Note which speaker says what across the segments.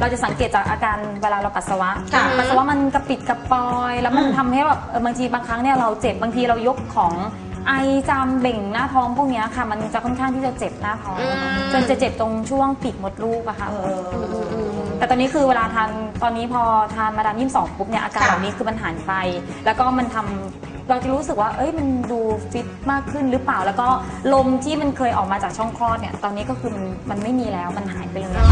Speaker 1: จะสังเกตจากอาการเวลาเราปัสสาวะมันกระปิดกระปอยแล้วมันทำให้แบบบางทีบางครั้งเนี่ยเราเจ็บบางทีเรายกของไอจามเบ่งหน้าท้องพวกนี้ค่ะมันจะค่อนข้างที่จะเจ็บหน้าท้องจนจะเจ็บตรงช่วงปีกมดลูกอะค่ะแต่ตอนนี้คือเวลาทานตอนนี้พอทานมาดาม22ปุ๊บเนี่ยอาการเหล่านี้คือมันหายไปแล้วก็มันทำเราจะรู้สึกว่ามันดูฟิตมากขึ้นหรือเปล่าแล้วก็ลมที่มันเคยออกมาจากช่องคลอดเนี่ยตอนนี้ก็คือมันไม่มีแล้วมันหายไปเลยค่ะ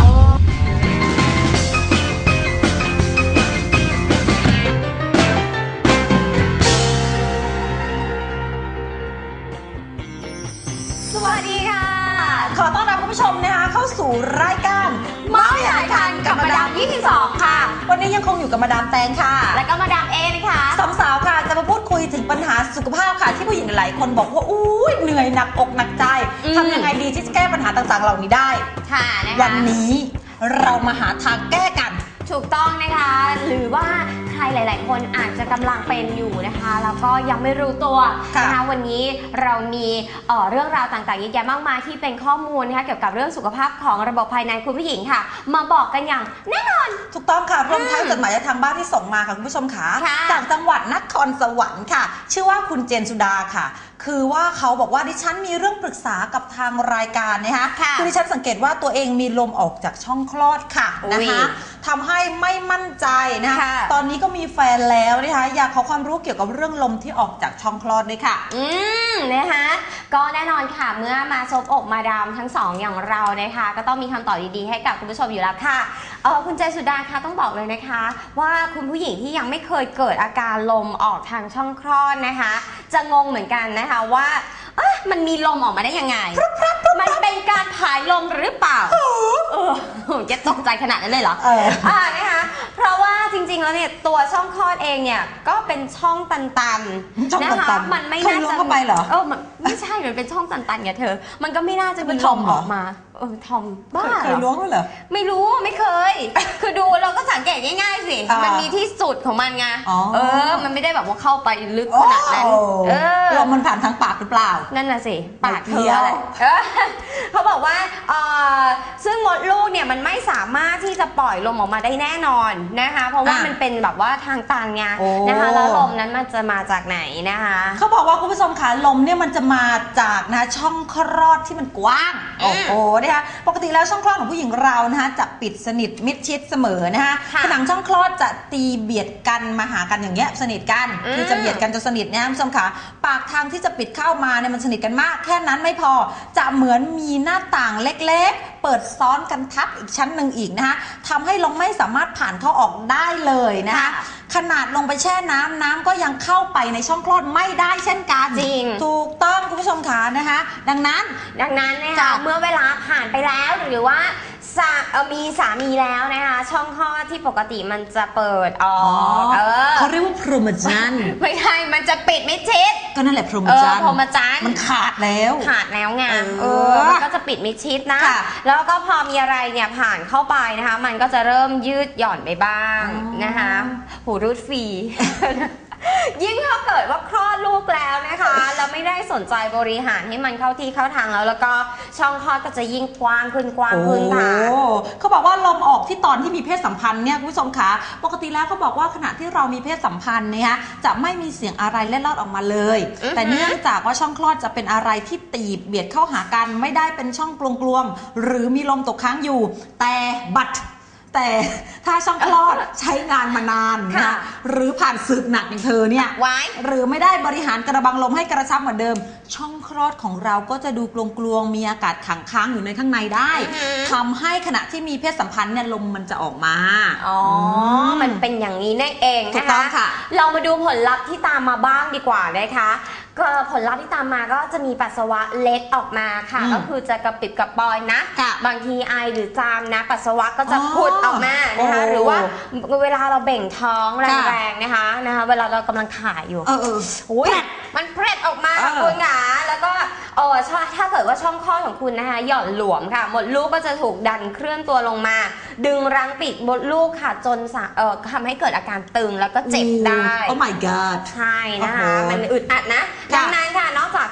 Speaker 2: สวัสดีค่ะขอต้อนรับคุณผู้ชมนะคะเข้าสู่รายการเมาส์ใหญ่ทันกับมาดาม22ค่ะวันนี้ยังคงอยู่กับมาดามแตงค่ะและก็มาดามเอนะคะสองสาวค่ะจะมาพูดคุยถึงปัญหาสุขภาพค่ะที่ผู้หญิงหลายคนบอกว่าอุ้ยเหนื่อยหนักอกหนักใจทำยังไงดีที่จะแก้ปัญหาต่างๆเหล่านี้ได้ค่ะนะคะวันนี้เรามาหาทางแก้กันถูกต้องนะคะหรือว่าใครหลายๆคนอาจจะกำลังเป็นอยู่นะคะแล้วก็ยังไม่รู้ตัวนะคะวันนี้เรามีเรื่องราวต่างๆเยอะแยะมากมายที่เป็นข้อมูลนะคะเกี่ยวกับเรื่องสุขภาพของระบบภายในคุณผู้หญิงค่ะมาบอกกันอย่างแน่นอนถูกต้องค่ะรวมทั้งจดหมายจากทางบ้านที่ส่งมาค่ะคุณผู้ชมค่ะจากจังหวัดนครสวรรค์ค่ะชื่อว่าคุณเจนสุดาค่ะคือว่าเขาบอกว่าดิฉันมีเรื่องปรึกษากับทางรายการนะคะคือดิฉันสังเกตว่าตัวเองมีลมออกจากช่องคลอดค่ะนะคะทำให้ไม่มั่นใจนะคะตอนนี้ก็มีแฟนแล้วนะคะอยากขอความรู้เกี่ยวกับเรื่องลมที่ออกจากช่องคลอดด้วยค่ะนะคะก็แน่นอนค่ะเมื่อมาซบอกมาดามทั้งสองอย่างเรานะคะก็ต้องมีคำตอบดีๆให้กับคุณผู้ชมอยู่แล้วค่ะคุณเจสุดาคะต้องบอกเลยนะคะว่าคุณผู้หญิงที่ยังไม่เคยเกิดอาการลมออกทางช่องคลอดนะคะจะงงเหมือนกันนะคะว่ามันมีลมออกมาได้ยังไงมันเป็นการผายลมหรือเปล่าจะตกใจขนาดนั้นเลยเหรอนะคะเพราะว่าจริงๆแล้วเนี่ยตัวช่องคลอดเองเนี่ยก็เป็นช่องตันๆนะคะมันไม่น่าจะเข้าไปเหรอมันไม่ใช่มันเป็นช่องตันๆไงเธอมันก็ไม่น่าจะมีลมออกมาทอมบ้าเคยล้วงเหรอไม่รู้ไม่เคยคือดูเราก็สังเกตง่ายๆสิมันมีที่สุดของมันไงมันไม่ได้แบบว่าเข้าไปลึกขนาดนั้นลมมันผ่านทางปากหรือเปล่านั่นน่ะสิปากเธออะไรเขาบอกว่าซึ่งมดลูกเนี่ยมันไม่สามารถที่จะปล่อยลมออกมาได้แน่นอนนะคะเพราะว่ามันเป็นแบบว่าทางตันไงนะคะแล้วลมนั้นมันจะมาจากไหนนะคะเขาบอกว่าคุณผู้ชมคะลมเนี่ยมันจะมาจากนะช่องคลอดที่มันกว้างนะคะปกติแล้วช่องคลอดของผู้หญิงเรานะคะจะปิดสนิทมิดชิดเสมอนะคะผนังช่องคลอดจะตีเบียดกันมาหากันอย่างเงี้ยสนิทกันคือจะเบียดกันจนสนิทนะคุณผู้ชมคะปากทางที่จะปิดเข้ามาเนี่ยมันสนิทกันมากแค่นั้นไม่พอจะเหมือนมีหน้าต่างเล็กๆเปิดซ้อนกันทับอีกชั้นหนึ่งอีกนะคะทำให้ลมไม่สามารถผ่านเข้าออกได้เลยนะคะขนาดลงไปแช่น้ำก็ยังเข้าไปในช่องคลอดไม่ได้เช่นกันจริงถูกต้องคุณผู้ชมคะนะคะดังนั้นนะคะเมื่อเวลาผ่านไปแล้วหรือว่ามีสามีแล้วนะคะช่องคลอดที่ปกติมันจะเปิดออกเขาเรียกว่าพรหมจรรย์ไม่ใช่มันจะปิดไม่ชิดก็นั่นแหละพรหมจรรย์มันขาดแล้วไงมันก็จะปิดไม่ชิดนะแล้วก็พอมีอะไรเนี่ยผ่านเข้าไปนะคะมันก็จะเริ่มยืดหย่อนไปบ้างนะคะหูรูดฟรียิ่งถ้าเกิดว่าคลอดลูกแล้วนะคะแล้วไม่ได้สนใจบริหารให้มันเข้าที่เข้าทางแล้วก็ช่องคลอดก็จะยิ่งกว้างขึ้นค่ะเขาบอกว่าลมออกที่ตอนที่มีเพศสัมพันธ์เนี่ยคุณผู้ชมคะปกติแล้วเขาบอกว่าขณะที่เรามีเพศสัมพันธ์เนี่ยจะไม่มีเสียงอะไรเล็ดลอดออกมาเลยแต่เนื่องจากว่าช่องคลอดจะเป็นอะไรที่ตีบเบียดเข้าหากันไม่ได้เป็นช่องกลวงๆหรือมีลมตกค้างอยู่แต่ถ้าช่องคลอดใช้งานมานานนะหรือผ่านศึกหนักอย่างเธอเนี่ยหรือไม่ได้บริหารกระบังลมให้กระชับเหมือนเดิมช่องคลอดของเราก็จะดูกลวงๆมีอากาศขังค้างอยู่ในข้างในได้ทำให้ขณะที่มีเพศสัมพันธ์เนี่ยลมมันจะออกมามันเป็นอย่างนี้นั่นเองนะคะเรามาดูผลลัพธ์ที่ตามมาบ้างดีกว่านะคะก็ผลลัพธ์ที่ตามมาก็จะมีปัสสาวะเล็ดออกมาค่ะก็คือจะกระปิดกระปอยนะบางทีไอหรือจามนะปัสสาวะก็จะพุดออกมานะคะหรือว่าเวลาเราเบ่งท้องแรงๆนะคะเวลาเรากำลังถ่ายอยู่มันเพล็ดออกมาคุณค่ะแล้วก็ถ้าเกิดว่าช่องคลอดของคุณนะคะหย่อนหลวมค่ะมดลูกก็จะถูกดันเคลื่อนตัวลงมาดึงรั้งปิดมดลูกค่ะจนทำให้เกิดอาการตึงแล้วก็เจ็บได้ Oh my god ใช่นะคะมันอึดอัดนะดังนั้นค่ะนอกจาก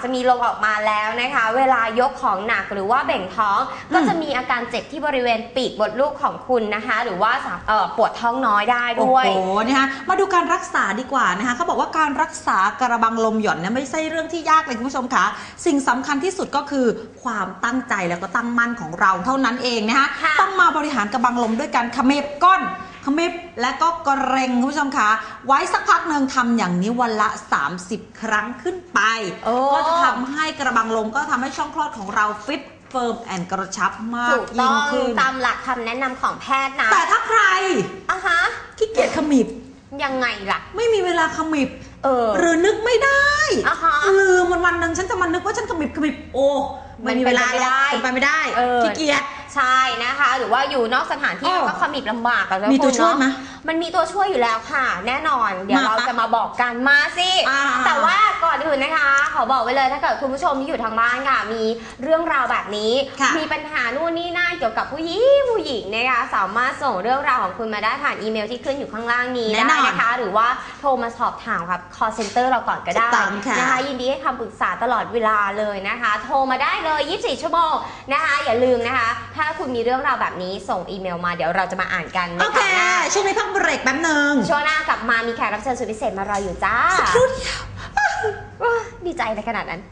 Speaker 3: จะมีลมออกมาแล้วนะคะเวลายกของหนักหรือว่าเบ่งท้องก็จะมีอาการเจ็บที่บริเวณปีกมดลูกของคุณนะคะหรือว่าปวดท้องน้อยได้ด้วย
Speaker 2: โอ้โหนะคะมาดูการรักษาดีกว่านะคะเขาบอกว่าการรักษากระบังลมหย่อนเนี่ยไม่ใช่เรื่องที่ยากเลยคุณผู้ชมคะสิ่งสำคัญที่สุดก็คือความตั้งใจแล้วก็ตั้งมั่นของเราเท่านั้นเองนะคะต้องมาบริหารกระบังลมด้วยการเขมิบก้นขมิบและก็เกรงคุณผู้ชมคะไว้สักพักหนึ่งทำอย่างนี้วันละ30 ครั้งขึ้นไปก็จะทำให้กระบังลมก็ทำให้ช่องคลอดของเราฟิตเฟิร์มแอนกระชับมากยิ่งขึ้น
Speaker 3: ตามหลักคำแนะนำของแพทย์นะ
Speaker 2: แต่ถ้าใครขี้เกียจขมิบ
Speaker 3: ยังไงล่ะ
Speaker 2: ไม่มีเวลาขมิบหรือนึกไม่ได้ลืมวันหนึ่งฉันจะมานึกว่าฉันขมิบโอ้ไม่มีเวลาเป็นไปไม่ได้ขี้เกียจ
Speaker 3: ใช่นะคะหรือว่าอยู่นอกสถานที่ก็ขมิบลำบากกันแล้ว
Speaker 2: มีตัวช่วยไหม
Speaker 3: มันมีตัวช่วยอยู่แล้วค่ะแน่นอนเดี๋ยวเราจะมาบอกกันมาสิแต่ว่าก่อนอื่นนะคะขอบอกไว้เลยถ้าเกิดคุณผู้ชมที่อยู่ทางบ้านค่ะมีเรื่องราวแบบนี้มีปัญหานู่นนี่นั่นเกี่ยวกับผู้หญิงนะคะสามารถส่งเรื่องราวของคุณมาได้ผ่านอีเมลที่ขึ้นอยู่ข้างล่างนี้ได้นะคะหรือว่าโทรมาสอบถามครับ call center เราก่อนก็ได้นะคะยินดีให้คำปรึกษาตลอดเวลาเลยนะคะโทรมาได้เลย24 ชั่วโมงนะคะอย่าลืมนะคะถ้าคุณมีเรื่องราวแบบนี้ส่งอีเมลมาเดี๋ยวเราจะมาอ่านกัน
Speaker 2: โอเคช่วงนี้พักเบรกแป๊บนึง
Speaker 3: ช่วงหน้ากลับมามีแขกรับเชิญสุดพิเศษมารออยู่จ้า
Speaker 2: สักครู่เดียว
Speaker 3: ดีใจในขนาดนั้น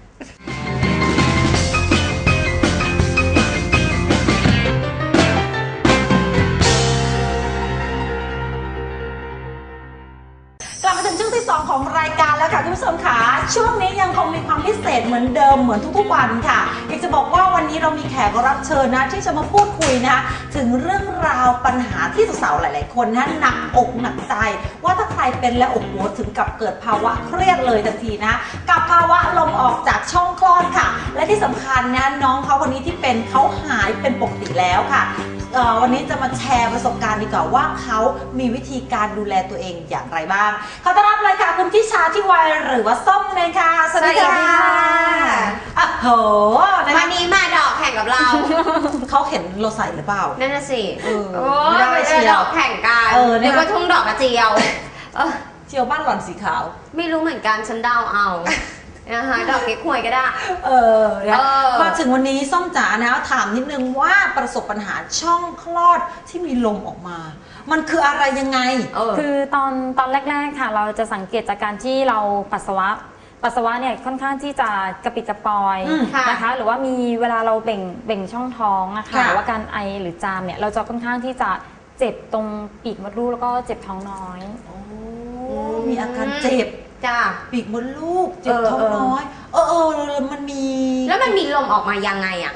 Speaker 2: กลับมาถึงช่วงที่2ของรายการแล้วค่ะคุณผู้ชมค่ะช่วงนี้ยังคงมีความพิเศษเหมือนเดิมเหมือนทุกๆวันค่ะอยากจะบอกว่าวันนี้เรามีแขกรับเชิญนะที่จะมาพูดคุยนะคะถึงเรื่องราวปัญหาที่สาวๆหลายๆคนนะหนักอกหนักใจว่าถ้าใครเป็นแล้วโอ้โหถึงกับเกิดภาวะเครียดเลยทันทีนะกับภาวะลมออกจากช่องคลอดค่ะและที่สำคัญนะน้องเขาคนนี้ที่เป็นเขาหายเป็นปกติแล้วค่ะวันนี้จะมาแชร์ประสบการณ์ดีกว่าว่าเขามีวิธีการดูแลตัวเองอย่างไรบ้างขอต้อนรับเลยค่ะคุณทิชาที่วัยหรือว่าส้มเลยค่ะสวัสดีค่ะโอ้โห
Speaker 3: วันนี้มาดอกแข่งกับเรา
Speaker 2: เขาเห็นเราใส่หรือเปล่า
Speaker 3: นั่นน่ะสิไม่ได้ดอกแข่งกันเดี๋ยวก็ทุ่งดอกกระเจียว
Speaker 2: เจียวบ้านหล่อนสีขาว
Speaker 3: ไม่รู้เหมือนกันฉันเดาเอานะคะดอกเก๊กฮวยก็ได้
Speaker 2: มาถึงวันนี้ส้มจ๋านะถามนิดนึงว่าประสบปัญหาช่องคลอดที่มีลมออกมามันคืออะไรยังไง
Speaker 1: คือตอนแรกๆค่ะเราจะสังเกตจากการที่เราปัสสาวะเนี่ยค่อนข้างที่จะกระปิดกระปอยนะคะหรือว่ามีเวลาเราเบ่งช่องท้องนะคะหรือว่าการไอหรือจามเนี่ยเราจะค่อนข้างที่จะเจ็บตรงปีกมดลูกแล้วก็เจ็บท้องน้อย
Speaker 2: มีอาการเจ็บปีกมดลูกเจ็บท้องน้อยมันมี
Speaker 3: แล้วมันมีลมออกมายังไงอ่ะ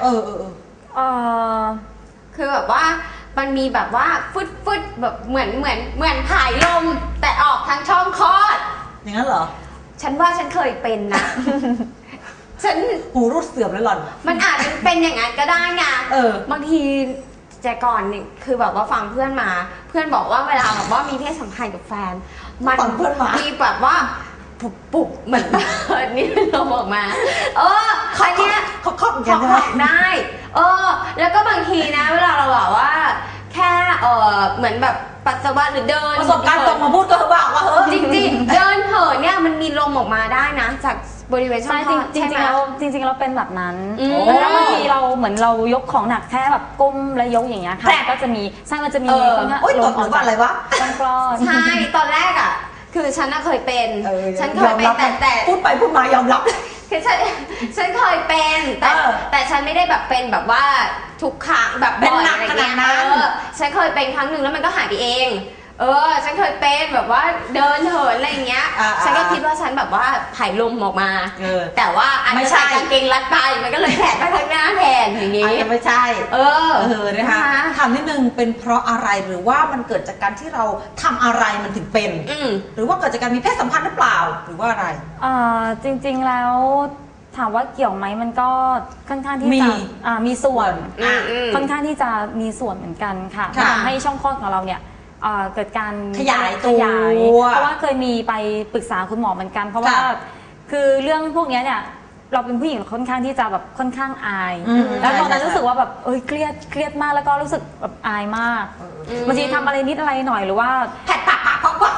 Speaker 3: คือแบบว่ามันมีแบบว่าฟึดแบบเหมือนผายลมแต่ออกทางช่องคลอด
Speaker 2: อย่างนั้นเหรอ
Speaker 3: ฉันว่าฉันเคยเป็นนะฉัน
Speaker 2: หูรูดเสื่อมแล้วหล่อน
Speaker 3: มันอาจจะเป็นอย่างนั้นก็ได้ไงบางทีแต่ก่อนนี่คือแบบว่าฟังเพื่อนมาเพื่อนบอกว่าเวลาแบบว่ามีเพศสัมพันธ์กับแฟนมันมีแบบว่าปุบเหมือนนี่ลมออกมา
Speaker 2: อันเนี้ยเขาครอบกัน
Speaker 3: ได้แล้วก็บางทีนะเวลาเราแบบว่าแค่เหมือนแบบปัสสาวะหรือเดิน
Speaker 2: ประสบการณ์ตรงมาพูดก็บอกว่า
Speaker 3: จริงๆเดินเหินเนี่ยมันมีลมออกมาได้นะจากบริเวณช่องคลอด
Speaker 1: จริงๆเราเป็นแบบนั้นแล้วบางทีเราเหมือนเรายกของหนักแค่แบบก้มแล้วยกอย่างเงี้ยค่ะก็จะมีมันจะมี
Speaker 2: ลมออกจากอะไรวะ
Speaker 1: ช่องคลอด
Speaker 3: ใช่ตอนแรกอ่ะคือฉันเคยเป็นฉันเคยเป็นแต่
Speaker 2: พูดไปพูดมายอมรับ
Speaker 3: คือฉันเคยเป็นแต่ฉันไม่ได้แบบเป็นแบบว่าทุกครั้งแบบบ่อยอะไรเงี้ยฉันเคยเป็นครั้งหนึ่งแล้วมันก็หายไปเองฉันเคยเป็นแบบว่าเดินเหินอะไรอย่างเงี้ยฉันก็คิดว่าฉันแบบว่าผายลมออกมาแต่ว่าอันนี้ใส่กางเกงรัดไปมันก็เลยแผลไปข้างหน้าแทนอย่างงี้
Speaker 2: ไม่ใช่นะคะถามนิดนึงเป็นเพราะอะไรหรือว่ามันเกิดจากการที่เราทำอะไรมันถึงเป็นหรือว่าเกิดจากการมีเพศสัมพันธ์หรือเปล่าหรือว่าอะไร
Speaker 1: จริงๆแล้วถามว่าเกี่ยวไหมมันก็ค่อนข้างที่จะมีส่วนค่อนข้างที่จะมีส่วนเหมือนกันค่ะทำให้ช่องคลอดของเราเนี่ยเกิดการ
Speaker 2: ขยายตัว
Speaker 1: เพราะว่าเคยมีไปปรึกษาคุณหมอเหมือนกันเพราะว่าคือเรื่องพวกนี้เนี่ยเราเป็นผู้หญิงค่อนข้างที่จะแบบค่อนข้างอายแล้วตอนนั้นรู้สึกว่าแบบเครียดมากแล้วก็รู้สึกแบบอายมากบางทีทำอะไรนิดอะไรหน่อยหรือว่า
Speaker 2: แผดปาก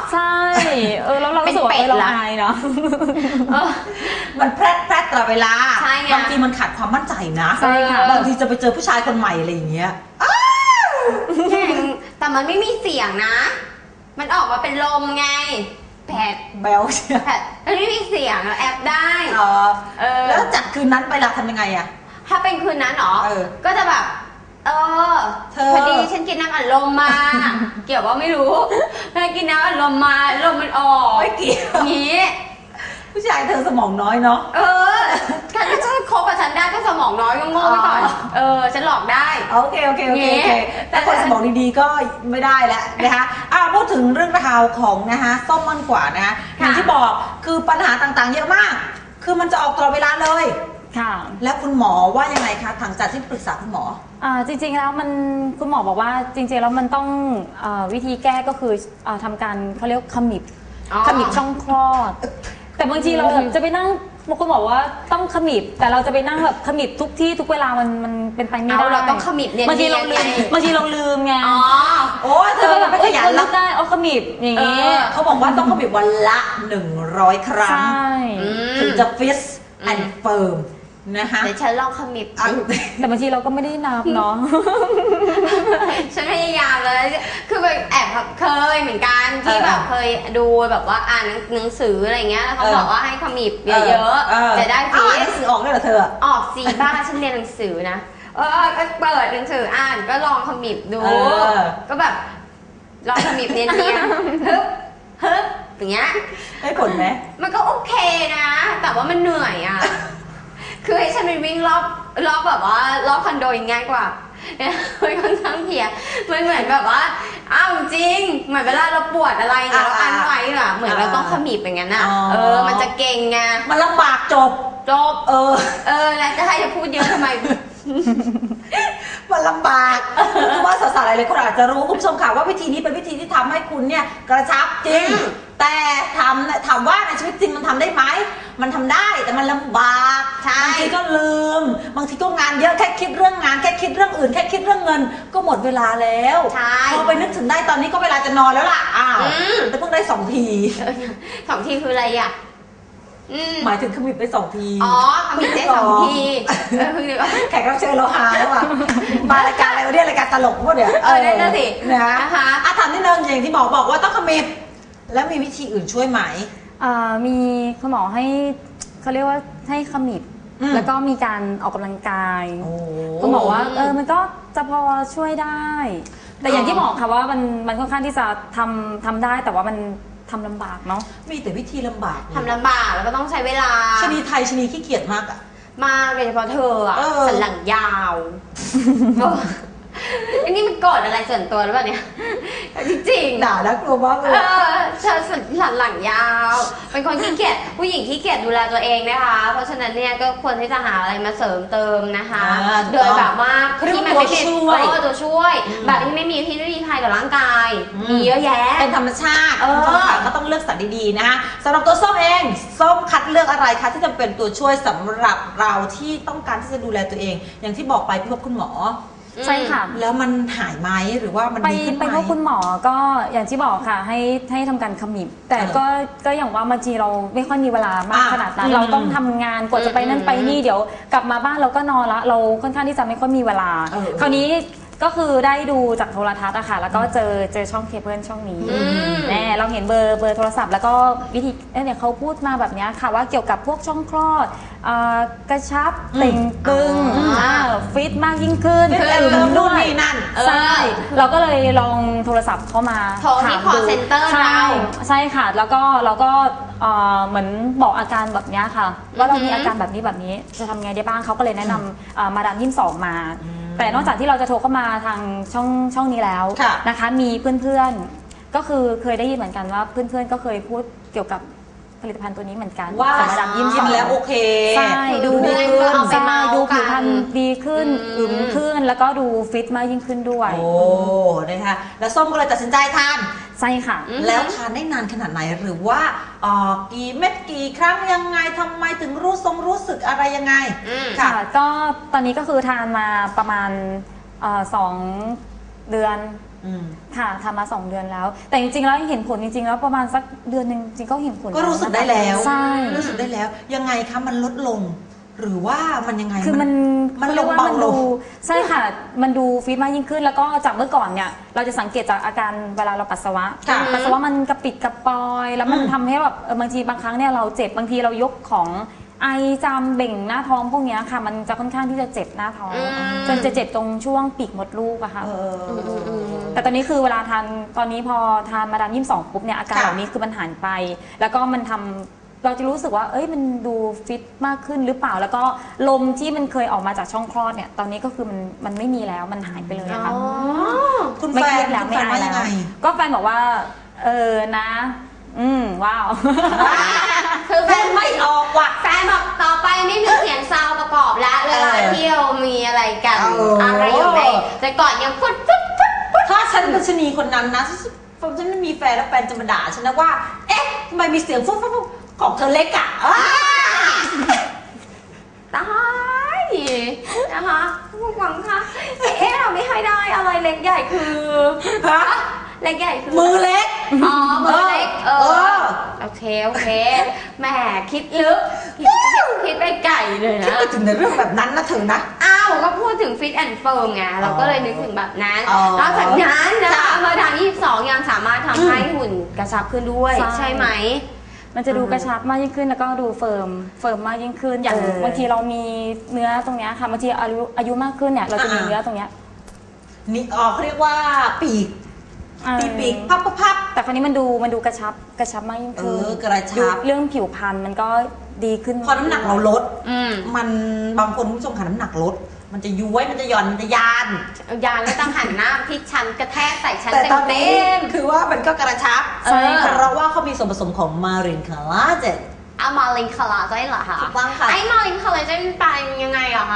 Speaker 1: ใช่แล้วเรารู้สึกว่าเราอายเนาะ
Speaker 2: มันแพร่ตลอดเวลา
Speaker 3: ใช่ไง
Speaker 2: บางทีมันขาดความมั่นใจนะ
Speaker 1: ใช่ค่ะ
Speaker 2: บางทีจะไปเจอผู้ชายคนใหม่อะไรอย่างเงี้ย
Speaker 3: แต่มันไม่มีเสียงนะ มันออกมาเป็นลมไงแผด
Speaker 2: แบลเชีย
Speaker 3: แผดมันไม่มีเสียงแอบได้
Speaker 2: แล้วจากคืนนั้นไปละทำยังไงอะ
Speaker 3: ถ้าเป็นคืนนั้นเหรอ ก็จะแบบ
Speaker 2: เธอ
Speaker 3: พอดีฉันกินน้ำอัดลมมา เกี่ยวว่าไม่รู้ถ้ากินน้ำอัดลมมาลมมันออก
Speaker 2: ไม่เกี่ยว
Speaker 3: งี้
Speaker 2: ผู้ชายเธอสมองน้อยเนาะ
Speaker 3: ถ้าจะคบกับฉันได้ก็สมองน้อยก็โง่ไปก่อนฉันหลอกได้
Speaker 2: โอเคแต่คนสมองดีๆก็ไม่ได้แล้วนะคะพูดถึงเรื่องราวของนะคะส้มมันกว่านะคะอย่างที่บอกคือปัญหาต่างๆเยอะมาก คือมันจะออกตลอดเวลาเลย
Speaker 1: ค่ะ
Speaker 2: แล้วคุณหมอว่ายังไงคะหลังจากที่ปรึกษาคุณหมอ
Speaker 1: จริงๆแล้วคุณหมอบอกว่าจริงๆแล้วมันต้องวิธีแก้ก็คือทำการเขาเรียกขมิบช่องคลอดแต่บางทีเราจะไปนั่งคุณหมอว่าต้องขมิบแต่เราจะไปนั่งแบบขมิบทุกที่ทุกเวลามันเป็นไปไม่ได้
Speaker 3: เราต้องขมิบเนี่ย
Speaker 1: บางทีเราลืมไง
Speaker 2: โอ้เธอแบบไม่ขยัน
Speaker 1: รับได้ขมิบอย่างนี้
Speaker 2: เขาบอกว่าต้องขมิบวันละ100 ครั้งถึงจะฟิตแอนด์เฟิร์มนะคะ
Speaker 3: เดี๋ยวฉันลองขมิบ
Speaker 1: แต่บางทีเราก็ไม่ได้นับเนาะ
Speaker 3: ฉันพยายามเลยคือแบบแอบเคยเหมือนกันที่แบบเคยดูแบบว่าอ่านหนังสืออะไรเงี้ยแล้วเขาบอกว่าให้ขมิบเยอะๆจะได้
Speaker 2: ฟิตหนังสือออกได้เหรอเธอ
Speaker 3: ออกสิบ้าฉันเรียนหนังสือนะก็เปิดหนังสืออ่านก็ลองขมิบดูก็แบบลองขมิบเนียนๆฮึบอย่างเงี้ย
Speaker 2: ได้ผลไหม
Speaker 3: มันก็โอเคนะแต่ว่ามันเหนื่อยอ่ะคือให้ฉันไปวิ่งรอบแบบว่ารอบคอนโดยังง่ายกว่ามันค่อนข้างเพียมันเหมือนแบบว่าจริงเหมือนเวลาเราปวดอะไรเนี่ยเราอั้นไว้อะเหมือนเราต้องขมิบอย่างนั้นอ่ะมันจะเก่งไง
Speaker 2: มันลำบากจบ
Speaker 3: แล้วจะให้จะพูดเยอะทำไม
Speaker 2: มันลำบากคือว่าสาวๆหลายคนอาจจะรู้คุณผู้ชมค่ะว่าวิธีนี้เป็นวิธีที่ทำให้คุณเนี่ยกระชับจริงแต่ถามว่าในชีวิตจริงมันทำได้ไหมมันทำได้แต่มันลำบากบางทีก็ลืมบางทีก็งานเยอะแค่คิดเรื่องงานแค่คิดเรื่องอื่นแค่คิดเรื่องเงินก็หมดเวลาแล้วพอไปนึกถึงได้ตอนนี้ก็เวลาจะนอนแล้วล่ะแต่เพิ่งได้2 ที
Speaker 3: 2 ทีคืออะไรอ่ะ
Speaker 2: หมายถึงขมิบไป2 ที
Speaker 3: ขมิบได้2 ที
Speaker 2: แขกรับเชิญเราหาแล้วอ่ะมารายการอะไรวะเนี่ยรายการตลกพวกเนี่ย
Speaker 3: นั่นสิ
Speaker 2: นะคะถามนิดนึงอย่างที่บอกว่าต้องขมิบแล้วมีวิธีอื่นช่วยไหม
Speaker 1: มีคุณหมอให้เขาเรียกว่าให้ขมิบแล้วก็มีการออกกำลังกายคุณหมอว่ามันก็จะพอช่วยได้แต่อย่างที่บอกค่ะว่ามันค่อนข้างที่จะทำได้แต่ว่ามันทำลำบากเนาะ
Speaker 2: มีแต่วิธีลำบาก
Speaker 3: ทำลำบากแล้วก็ต้องใช้เวลา
Speaker 2: ชนีไทยชนีขี้เกียจมากอะ
Speaker 3: มาโดยเฉพาะเธออะสันหลังยาวอันนี้มันโกรธอะไรส่วนตัวหรือเปล่าเนี่ยจริง
Speaker 2: ๆด่าแล้วกลัวมากเลย
Speaker 3: เธอหลังยาวเป็นคนขี้เกียจผู้หญิงขี้เกียจดูแลตัวเองนะคะเพราะฉะนั้นเนี่ยก็ควรที่จะหาอะไรมาเสริมเติมนะคะโดยแบบว่าที่มันไม่เป็นตัวช่วยแบบที่ไม่มีพิษไม่มีภัยกับร่างกายมีเยอะแยะ
Speaker 2: เป็นธรรมชาติก็ต้องเลือกสรรดีๆนะคะสำหรับตัวส้มเองส้มคัดเลือกอะไรคะที่จะเป็นตัวช่วยสำหรับเราที่ต้องการที่จะดูแลตัวเอง อย่างที่บอกไปพบคุณหมอ
Speaker 1: ใช่ค่ะ
Speaker 2: แล้วมันหายไหมหรือว่ามันดีขึ้นไหม
Speaker 1: ไปพบคุณหมอก็อย่างที่บอกค่ะให้ทำการขมิบแต่ก็อย่างว่าบางทีเราไม่ค่อยมีเวลามากขนาดนั้นเราต้องทำงานกว่าจะไปนั่นไปนี่เดี๋ยวกลับมาบ้านเราก็นอนละเราค่อนข้างที่จะไม่ค่อยมีเวลาคราวนี้ก็คือได้ดูจากโทรทัศน์อะค่ะแล้วก็เจอช่องเคเบิลช่องนี้เราเห็นเบอร์โทรศัพท์แล้วก็วิธีเนี่ยเขาพูดมาแบบนี้ค่ะว่าเกี่ยวกับพวกช่องคลอดกระชับเต่งตึงฟิตมากยิ่งขึ้น
Speaker 2: นู่นนี่นั่น
Speaker 1: ใช่เราก็เลยลองโทรศัพท์เข้ามา
Speaker 3: โทรที่ call center เรา
Speaker 1: ใช่ค่ะแล้วก็เราก็เหมือนบอกอาการแบบนี้ค่ะว่าเรามีอาการแบบนี้จะทำไงได้บ้างเขาก็เลยแนะนำมาดาม22มาแต่นอกจากที่เราจะโทรเข้ามาทางช่องนี้แล้วนะคะมีเพื่อนๆก็คือเคยได้ยินเหมือนกันว่าเพื่อนๆก็เคยพูดเกี่ยวกับผลิตภัณฑ์ตัวนี้เหมือนกัน
Speaker 2: ว่ามาดาม22แล้วโอเค
Speaker 1: ใช่ดูดีขึ้นใช่ดูผิวพรรณดีขึ้นอึมขึ้นแล้วก็ดูฟิตมากยิ่งขึ้นด้วย
Speaker 2: โอ้นะคะแล้วส้มก็เลยตัดสินใจทาน
Speaker 1: ใช่ค่ะ
Speaker 2: แล้วทานได้นานขนาดไหนหรือว่ากี่เม็ดกี่ครั้งยังไงทำไมถึงรู้สึกอะไรยังไง
Speaker 1: ค่ะก็ตอนนี้ก็คือทานมาประมาณ2 เดือนค่ะทำมา2 เดือนแล้ว แต่จริงๆแล้วเห็นผลจริงๆแล้วประมาณสักเดือนหนึ่งจริงก็เห็นผล
Speaker 2: ก็รู้สึกได้แล้ว
Speaker 1: ใช่
Speaker 2: รู้สึกได้แล้วยังไงคะมันลดลง หรือว่ามันยังไง
Speaker 1: คือมัน
Speaker 2: ลงเบาลง
Speaker 1: ใช่ค่ะมันดูฟิตมากยิ่งขึ้นแล้วก็จากเมื่อก่อนเนี่ยเราจะสังเกตจากอาการเวลาเราปัสสาวะมันกระปิดกระปอยแล้วมันทำให้แบบบางทีบางครั้งเนี่ยเราเจ็บบางทีเรายกของไอจามเบ่งหน้าท้องพวกนี้ค่ะมันจะค่อนข้างที่จะเจ็บหน้าท้องจนจะเจ็บตรงช่วงปีกมดลูกอะค่ะแต่ตอนนี้คือเวลาทานตอนนี้พอทานมาดาม22ปุ๊บเนี่ยอาการเหล่านี้คือมันหายไปแล้วก็มันทำเราจะรู้สึกว่าเอ้ยมันดูฟิตมากขึ้นหรือเปล่าแล้วก็ลมที่มันเคยออกมาจากช่องคลอดเนี่ยตอนนี้ก็คือมันไม่มีแล้วมันหายไปเลยค่ะ
Speaker 2: คุณแฟ
Speaker 1: ไม่เครี
Speaker 2: น
Speaker 1: ยดแล้ว
Speaker 2: คุณ
Speaker 1: ไม่
Speaker 2: แฟน
Speaker 1: อาย
Speaker 2: ว่า
Speaker 1: แล้
Speaker 2: ยัง
Speaker 1: ว
Speaker 2: ไง
Speaker 1: ก็แฟนบอกว่านะว้าว
Speaker 3: คือแฟน
Speaker 2: ไม่ออกว่ะ
Speaker 3: แฟนบอกต่อไปไม่มีเสียงซาวประกอบแล้วเวลาเที่ยวมีอะไรกันอะไรอยู่ในแต่ก่อนยังปุ๊บ
Speaker 2: ถ้าฉันเป็นชนีคนนั้นนะฉันไม่มีแฟนแล้วแฟนจะมาด่าฉันนะว่า เอ๊ะทำไมมีเสียงฟุ๊บของเธอเล็กอ่ะ
Speaker 3: ตายนะคะผู้หวังค่ะเราไม่ให้ได้อะไรเล็กใหญ่คือ
Speaker 2: ฮะ
Speaker 3: เล็กใหญ่คือ
Speaker 2: มือเล็ก
Speaker 3: อ๋อมือเล็กโอเคแหมคิดลึกคิดไปไก่เลย
Speaker 2: คิด
Speaker 3: นะ
Speaker 2: ไปถึงในเรื่องแบบนั้นนะเธอนะ
Speaker 3: อ้าวก็พูดถึงฟิตแอนด์เฟิร์มไงเราก็เลยนึกถึงแบบนั้นนอกจากนั้นนะคะมาดาม22ยังสามารถทำให้หุ่นกระชับขึ้นด้วยใช่ไหม
Speaker 1: มันจะดูกระชับมากยิ่งขึ้นแล้วก็ดูเฟิร์มมากยิ่งขึ้นอย่างบางทีเรามีเนื้อตรงเนี้ยค่ะบางทีอายุมากขึ้นเนี่ยเราจะมีเนื้อตรงเนี้ย
Speaker 2: นี่เขาเรียกว่าปีกพับ
Speaker 1: แต่คราวนี้มันดูกระชับมากยิ่งขึ้น
Speaker 2: กระชับ
Speaker 1: เรื่องผิวพรรณมันก็ดีขึ้น
Speaker 2: พอน้ำหนักเราลดมันบางคนคุณผู้ชมค่ะน้ำหนักลดมันจะย้วยมันจะหย่อนมันจะยาน
Speaker 3: ยานก็ต้องหันหน้าที่ฉันกระแทกใส่ฉัน
Speaker 2: แต่ตอน
Speaker 3: เต็
Speaker 2: นี้
Speaker 3: ม
Speaker 2: คือว่ามันก็กระชับ
Speaker 1: ใช่ค่ะ
Speaker 2: เพราะว่าเขามีส่วนผสมของมารินคาลาเจน
Speaker 3: เอามาลินคอลลาเจนเหรอคะ
Speaker 2: ถูกต้องค่ะ
Speaker 3: ไอ้มาลินคอลลาเจนเป็นยังไงอะคะ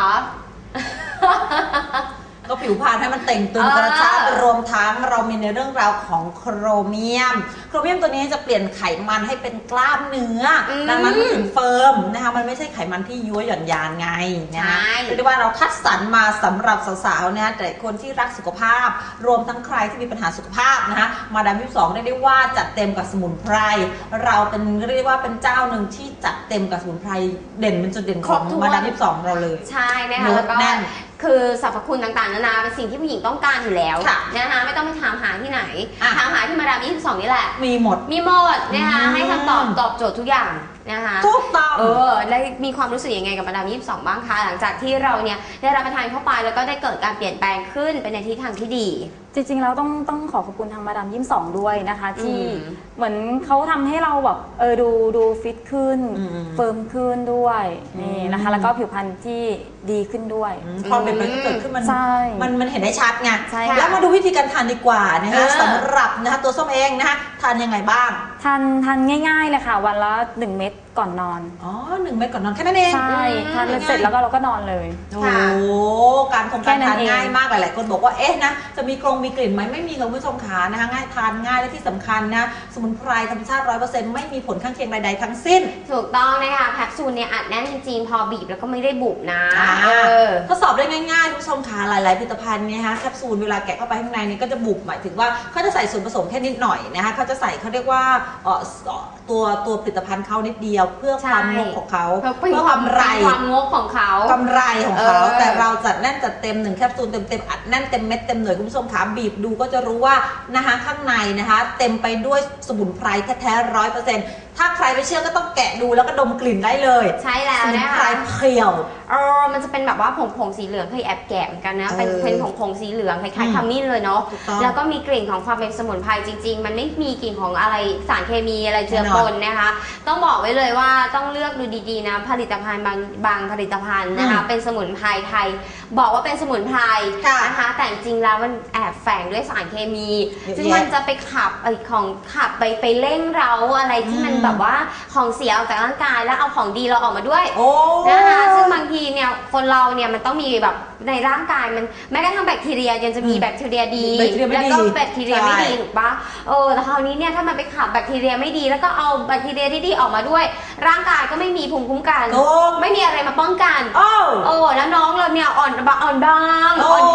Speaker 2: ก็ผิวพรรณให้มันเต่งตึงกระชับรวมทั้งเรามีในเรื่องราวของโครเมียมตัวนี้จะเปลี่ยนไขมันให้เป็นกล้ามเนื้อดังนั้นมันถึงเฟิร์มนะคะมันไม่ใช่ไขมันที่ย้วยหย่อนยานไงนะคะเรียกได้ว่าเราคัดสรรมาสำหรับสาวๆนะแต่คนที่รักสุขภาพรวมทั้งใครที่มีปัญหาสุขภาพนะคะมาดาม22เรียกได้ว่าจัดเต็มกับสมุนไพรเราเป็นเรียกว่าเป็นเจ้าหนึ่งที่จัดเต็มกับสมุนไพรเด่นเป็นจุดเด่นของมาดาม22เราเลย
Speaker 3: ใช่นะคะแล้วก็คือสรรพคุณต่างๆนานาเป็นสิ่งที่ผู้หญิงต้องการอยู่แล้วนะคะไม่ต้องไปถามหาที่ไหนถามหาที่มาดาม22นี่แหละ
Speaker 2: มีหมด
Speaker 3: นะคะให้คำตอบโจทย์ทุกอย่างนะคะ
Speaker 2: ถูกต้อง
Speaker 3: ได้มีความรู้สึกยังไงกับมาดาม22บ้างคะหลังจากที่เราเนี่ยได้รับประทานเข้าไปแล้วก็ได้เกิดการเปลี่ยนแปลงขึ้นไปในทิศทางที่ดี
Speaker 1: จริงๆแล้วต้องขอขอบคุณทางมาดาม22ด้วยนะคะที่เหมือนเขาทำให้เราแบบดูฟิตขึ้นเฟิร์มขึ้นด้วยนี่นะคะแล้วก็ผิวพรรณที่ดีขึ้นด้วย
Speaker 2: ความเปลี่ยนแปลงที่เกิดขึ้นมันเห็นได้ชัดไง
Speaker 1: แล้
Speaker 2: วมาดูวิธีการทานดีกว่านะคะสำหรับนะคะตัวส้มเองนะคะทานยังไงบ้าง
Speaker 1: ทานง่ายๆเลยค่ะวันละ1 เม็ดก่อนนอน
Speaker 2: 1 เม็ดก่อนนอนแค่นั้นเอง
Speaker 1: ใช่ทานเสร็จแล้วก็เราก็นอนเลย
Speaker 2: โอ้การทานง่ายมากหลายๆคนบอกว่าเอ๊ะนะจะมีกลิ่นไหมไม่มีค่ะคุณผู้ชมขานะคะง่ายทานง่ายและที่สำคัญนะสมุนไพรธรรมชาติ 100% ไม่มีผลข้างเคียงใดๆทั้งสิ้น
Speaker 3: ถูกต้องนะคะแคปซูลเนี่ยอัดแน่นจริงๆพอบีบแล้วก็ไม่ได้บุบนะ
Speaker 2: ทดสอบได้ง่ายๆคุณผู้ชมขาหลายๆผลิตภัณฑ์เนี่ยฮะแคปซูลเวลาแกะเข้าไปข้างในนี่ก็จะบุบหมายถึงว่าเขาจะใส่ส่วนผสมแค่นิดหน่อยนะคะเขาจะใส่เขาเรียกว่าตัวผลิตภัณฑ์เขานิดเดียวเพื่อความงกของเขา
Speaker 3: เพื่อกำไความงกของเขา
Speaker 2: กำไรของเขาแต่เราจัดแน่นจัดเต็ม1 แคปซูลเต็มอัดแน่นเต็มเม็ดเต็มหน่วยคุณผู้ชมขาบีบดูก็จะรู้ว่านะคะข้างในนะคะเต็มไปด้วยสมุนไพรแท้ๆ100%ถ้าใครไม่เชื่อก็ต้องแกะดูแล้วก็ดมกลิ่นได้เลย
Speaker 3: ใช่แล้วนะคะ
Speaker 2: สมุนไพรเขียว
Speaker 3: มันจะเป็นแบบว่าผงสีเหลืองเคยแอบแกะเหมือนกันนะเป็นผงสีเหลืองคล้ายๆขมิ้นเลยเนาะแล้วก็มีกลิ่นของความเป็นสมุนไพรจริงๆมันไม่มีกลิ่นของอะไรสารเคมีอะไรเจือปนนะคะต้องบอกไว้เลยว่าต้องเลือกดูดีๆนะผลิตภัณฑ์บางผลิตภัณฑ์นะคะเป็นสมุนไพรไทยบอกว่าเป็นสมุนไพรนะคะแต่จริงๆแล้วมันแอบแฝงด้วยสารเคมีซึ่งมันจะไปขับไปเร่งเร้าอะไรที่มันแบบว่าของเสียออกจากร่างกายแล้วเอาของดีเราออกมาด้วยนะคะซึ่งบางทีเนี่ยคนเราเนี่ยมันต้องมีแบบในร่างกายมันแม้กระทั่งแบคทีเรียยังจะมีแบคทีเรียดีแล้วก็แบคทีเรียไม่ดีถูกปะแต่คราวนี้เนี่ยถ้ามันไปขับแบคทีเรียไม่ดีแล้วก็เอาแบคทีเรียที่ดีออกมาด้วยร่างกายก็ไม่มีภูมิคุ้มกันไม่มีอะไรมาป้องกันแล้วน้องเราเนี่ยอ่อนบางอ่อนแอเลือด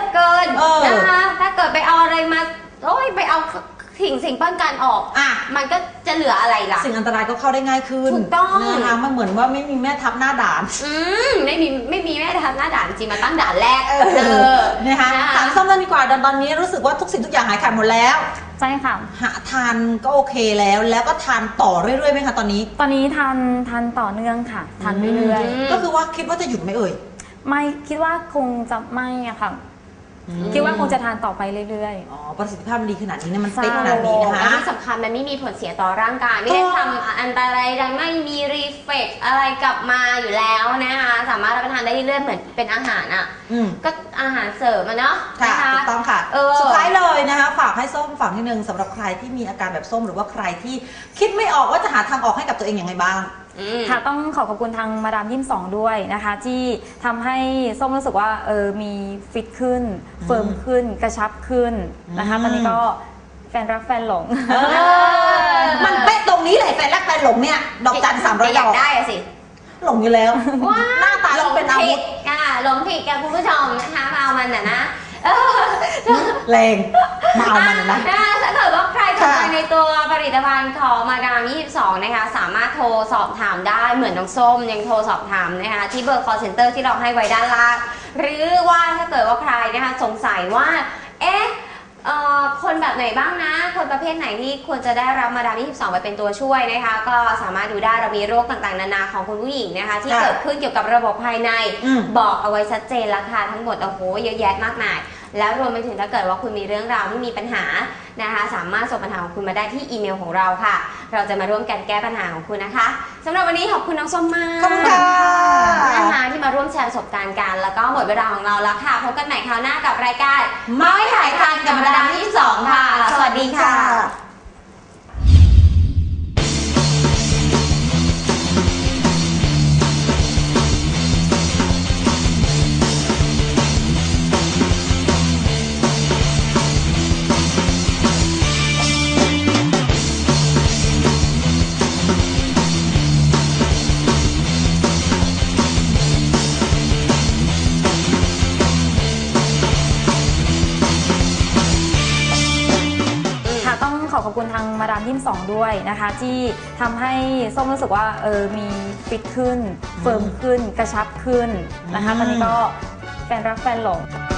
Speaker 3: เกินนะคะถ้าเกิดไปเอาอะไรมาโอ้ยไปเอาสิ่งป้องกันออกมันก็จะเหลืออะไรล่ะ
Speaker 2: สิ่งอันตรายก็เข้าได้ง่ายขึ้น
Speaker 3: ถูกต้อง
Speaker 2: นะคะมันเหมือนว่าไม่มีแม่ทัพหน้าด่าน
Speaker 3: ไม่มีแม่ทัพหน้าด่านจริงมาตั้งด่านแรก
Speaker 2: นะคะถามส้มกันดีกว่าตอนนี้รู้สึกว่าทุกสิ่งทุกอย่างหายขาดหมดแล้ว
Speaker 1: ใช่ค่ะ
Speaker 2: ทานก็โอเคแล้วก็ทานต่อเรื่อยๆไหมคะตอนนี้
Speaker 1: ทานต่อเนื่องค่ะทานเรื่อย
Speaker 2: ๆก็คือว่าคิดว่าจะหยุดไหมเอ่ย
Speaker 1: ไม่คิดว่าคงจะไม่อะค่ะคิดว่าคงจะทานต่อไปเรื่อยๆ
Speaker 2: อ๋อประสิทธิภาพมันดีขนาดนี้เนี่ยมันเป๊ะขนาดนี้นะคะ
Speaker 3: ที่สำคัญมันไม่มีผลเสียต่อร่างกายไม่ได้ทำอันตรายใดไม่มีรีเฟกอะไรกลับมาอยู่แล้วนะคะสามารถรับประทานได้เรื่อยๆเหมือนเป็นอาหารอ่ะก็อาหารเสริมเนาะ
Speaker 2: ค่ะถูกต้องค่ะสุดท้ายเลยนะคะฝากให้ส้มฝากนิดนึงสำหรับใครที่มีอาการแบบส้มหรือว่าใครที่คิดไม่ออกว่าจะหาทางออกให้กับตัวเองอย่างไรบ้าง
Speaker 1: ค่ะต้องขอบคุณทางมาดาม22ด้วยนะคะที่ทำให้ส้มรู้สึกว่ามีฟิตขึ้นเฟิร์มขึ้นกระชับขึ้นนะคะตอนนี้ก็แฟนรักแฟนหลง
Speaker 2: มันเป๊ะตรงนี้เลยแฟนรักแฟนหลงเนี่ยดอกจัน300ดอก
Speaker 3: ได้สิ
Speaker 2: หลงอยู่แล้วหน้าตาเป็นอาวุธ
Speaker 3: หลงผิดกับคุณผู้ชมนะคะมาเอามันนะ
Speaker 2: แรงมาเอามันนะ
Speaker 3: ถ้าเกิดว่าใครสนใจในตัวผลิตภัณฑ์ของมาดาม22นะคะสามารถโทรสอบถามได้เหมือนน้องส้มยังโทรสอบถามนะคะที่เบอร์ call center ที่เราให้ไว้ด้านล่างหรือว่าถ้าเกิดว่าใครนะคะสงสัยว่าคนแบบไหนบ้างนะคนประเภทไหนที่ควรจะได้รับมาดาม22ไปเป็นตัวช่วยนะคะก็สามารถดูได้เรามีโรคต่างๆนานาของคุณผู้หญิงนะคะที่เกิดขึ้นเกี่ยวกับระบบภายในบอกเอาไว้ชัดเจนแล้วค่ะทั้งหมดโอ้โหเยอะแยะมากมายแล้วรวมไปถึงถ้าเกิดว่าคุณมีเรื่องราวที่มีปัญหานะคะสามารถส่งปัญหาของคุณมาได้ที่อีเมลของเราค่ะเราจะมาร่วมกันแก้ปัญหาของคุณนะคะสำหรับวันนี้ขอบคุณน้องส้มมาก
Speaker 2: ขอบคุณค่ะ
Speaker 3: นะคะที่มาร่วมแชร์ประสบการณ์กันแล้วก็หมดเวลาของเราแล้วค่ะพบกันใหม่คราวหน้ากับรายการเมาส์ถ่ายทานกับมาดาม22ค่ะสวัสดีค่ะ
Speaker 1: ขอบคุณทางมาดาม22ด้วยนะคะที่ทำให้ส้มรู้สึกว่ามีฟิตขึ้นเฟิร์มขึ้นกระชับขึ้นนะคะตอนนี้ก็แฟนรักแฟนหลง